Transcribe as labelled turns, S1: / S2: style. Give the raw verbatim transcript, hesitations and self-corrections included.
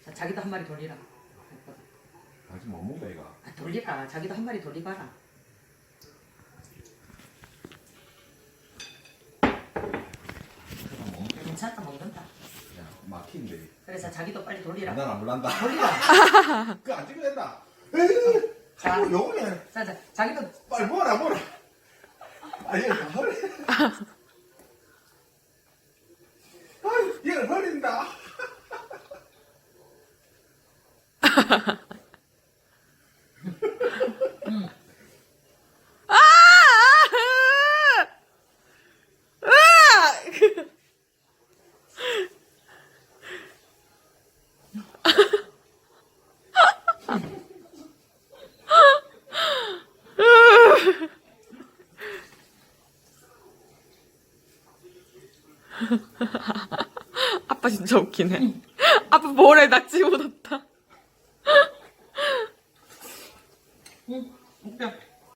S1: 자, 자기도 한 마리 돌리라.
S2: 아직 못 먹어 얘가.
S1: 아, 돌리라. 자기도 한 마리 돌리봐라. 괜찮다, 먹는다.
S2: 야 막힌데.
S1: 그래서 자기도 빨리 돌리라.
S2: 난안 몰란다.
S1: 돌리라.
S2: 그거 안 찍어야 된다.
S1: 자,
S2: 아이고 요거네.
S1: 자, 자, 자기도
S2: 빨리 먹어라 먹어라. 아니 얘가 허리. 아유 얘를 버린다.
S3: 아빠 진짜 웃기네. 아빠 볼에 낙지 묻었다.
S1: 응, 웃겨.